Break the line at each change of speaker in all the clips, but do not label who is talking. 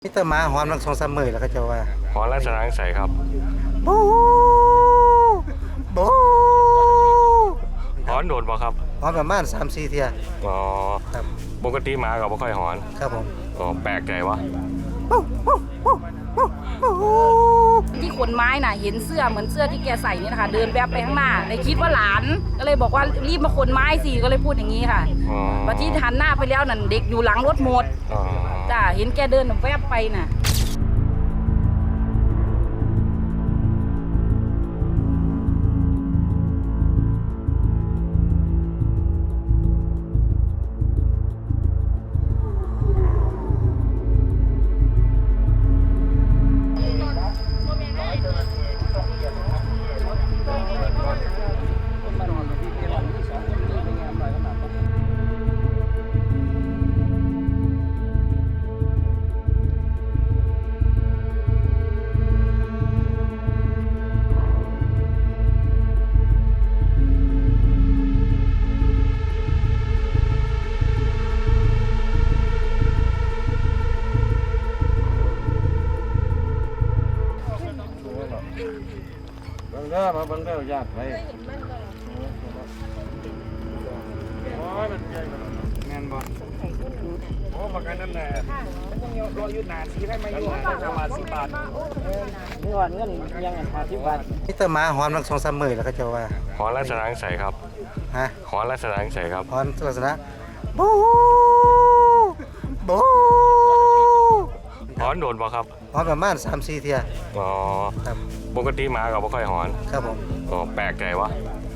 มิตรหมาหอนทั้ง2-3 มื้อแล้วก็จะว่า
หอนลักษณะใสครับ
บูบู
หอนโดนบ่ครับ
หอนประมาณ 3-4 เที่ย
อ๋อ
ครับ
ปกติหมาก็บ่ค่อยหอน
ครับผม
ก็แปลกใจวะ
ที่ขนไม้น่ะเห็นเสื้อเหมือนเสื้อที่แกใส่นี่นะคะเดินแวบไปข้างหน้าเลยคิดว่าหลานก็เลยบอกว่ารีบมาขนไม้สิก็เลยพูดอย่างนี้ค่ะพอที่หันหน้าไปแล้วนั่นเด็กอยู่หลังรถหมดจ้าเห็นแกเดินแวบไปน่ะ
มาบังเด้อญาติไปโอ้ยมันใหญ่แม่นบ่โอ้มากันนั่นแหละยังรออยู่นานสิได้มาอยู่ประมาณ10 บาทนี่ว่าเงินยัง50 บาท
มิตรหมาหอนทั้ง2-3 มื้อแล้วก็จะว่า
หอนลักษณะใสครับ
ฮะ
หอนลักษณะใสครับ
หอนลักษณะบูบู
หอนโดนบ่ครับ
หอนประมาณ 3-4 เที่ย
อ๋อ
ครับ
ปกติหมาก็บ่ค่อยหอน
ครับผม
ก็แปลกใจวะ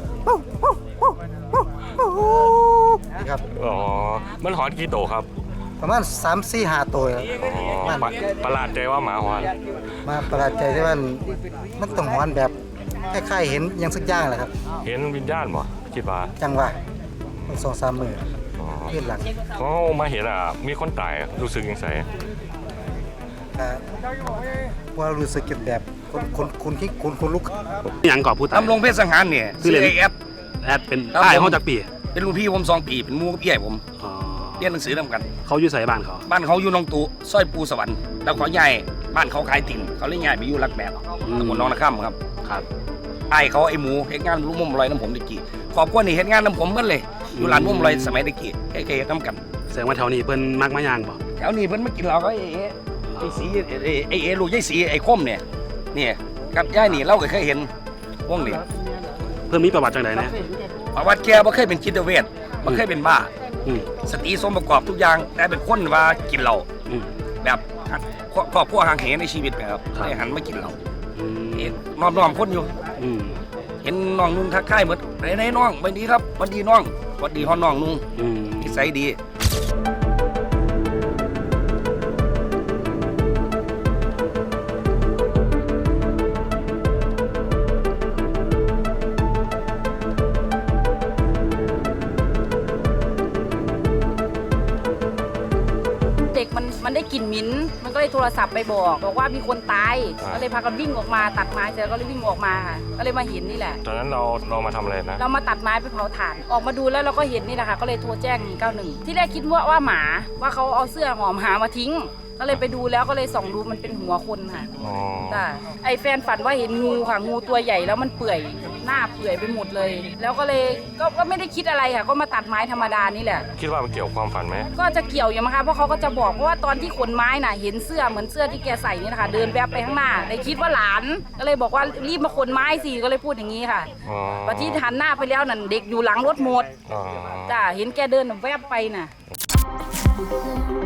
ครับ
อ๋อมันหอนกี่โตครับ
ประมาณ 3-4-5 ตัว
อ๋อประหลาดใจว่าหมาหอน
มาประหลาดใจที่ว่ามันต้องหอนแบบคล้ายๆเห็นยังสักอย่างแหละครับ
เห็นวิญญาณบ่คิดว่า
จังว่า2-3 มื้อขึ้นหลัง
เขามาเห็นมีคนตายรู้สึกยังไง
ว่ารู้สึกแบบคนลุก
ยังก่อพูดตาย
ตำรงเพชรสังหารเนี่ยชื่อแอด
เป็นใต้ห้องจักปี
เป็นรุ่นพี่ผม2 ปีเป็นหมู่กับพี่ใหญ่ผมเรียนหนังสือนำกัน
เขาอยู่ใส่บ้าน
เขาอยู่หนองตูซอยปูสวรรค์แล้วเขาใหญ่บ้านเขาขายติ่นเขาเลยย้ายไปอยู่รักแบบตำบลหนองนาค่ำครับไอ้เขาไอ้หมูเฮ็ดงานรุ่มลอยน้ำผมตะกี้ขอบคุณนี่เฮ็ดงานน้ำผมกันเลยอยู่ร้านรุ่มลอยสมัยตะกี้แค่ๆน้ำกัน
แสดงว่าแถวนี้เพิ่นมักมาย่างบ่
แถวนี้เพิ่นมากินเหล้าก็ไอ้สีไอ้ลูกยายสีไอ้คมเนี่ยกับยายนี่เราก็เคยเห็นวงนี้
เพิ่นมีประวัติจังได๋นะ
ประวัติแกบ่เคยเป็นจิตเวชบ่เคยเป็นบ้าสติสมประกอบทุกอย่างแต่เป็นคนว่ากินเหล้าแบบครอบครัวห่างเหในชีวิตนะครับได้หันมากินเหล้าน้อมคนอยู่เห็นน้องนุ่งทักทายเหมือนไหนน้องวันดีครับวันดีน้องวันดีฮอนน้องนุ่งนิสัยดี
เด็กมันได้กลิ่นหมิ้นมันก็เลยโทรศัพท์ไปบอกว่ามีคนตายก็เลยพากันวิ่งออกมาตัดไม้เสร็จก็เลยวิ่งออกมาค่ะก็เลยมาเห็นนี่แหละ
ตอนนั้นเรามาทำอะไรนะ
เรามาตัดไม้ไปเผาถ่านออกมาดูแล้วเราก็เห็นนี่แหละค่ะก็เลยโทรแจ้ง191ที่แรกคิดว่าหมาว่าเขาเอาเสื้อหอมหามาทิ้งก็เลยไปดูแล้วก็เลยส่องดูมันเป็นหัวคนค่ะจ้ะไอแฟนฝันว่าเห็นงูค่ะงูตัวใหญ่แล้วมันเปื่อยหน้าเปื่อยไปหมดเลยแล้วก็เลยก็ไม่ได้คิดอะไรค่ะก็มาตัดไม้ธรรมดานี่แหละ
คิดว่ามันเกี่ยวความฝันไหม
ก็จะเกี่ยวอยู่มั้งคะเพราะเขาก็จะบอกว่าตอนที่ขนไม้น่ะเห็นเสื้อเหมือนเสื้อที่แกใส่นี่นะคะเดินแวบไปข้างหน้าเลยคิดว่าหลานก็เลยบอกว่ารีบมาขนไม้สิก็เลยพูดอย่างนี้ค่ะพอที่หันหน้าไปแล้วนั่นเด็กอยู่หลังรถหมดจ้ะเห็นแกเดินแวบไปน่ะ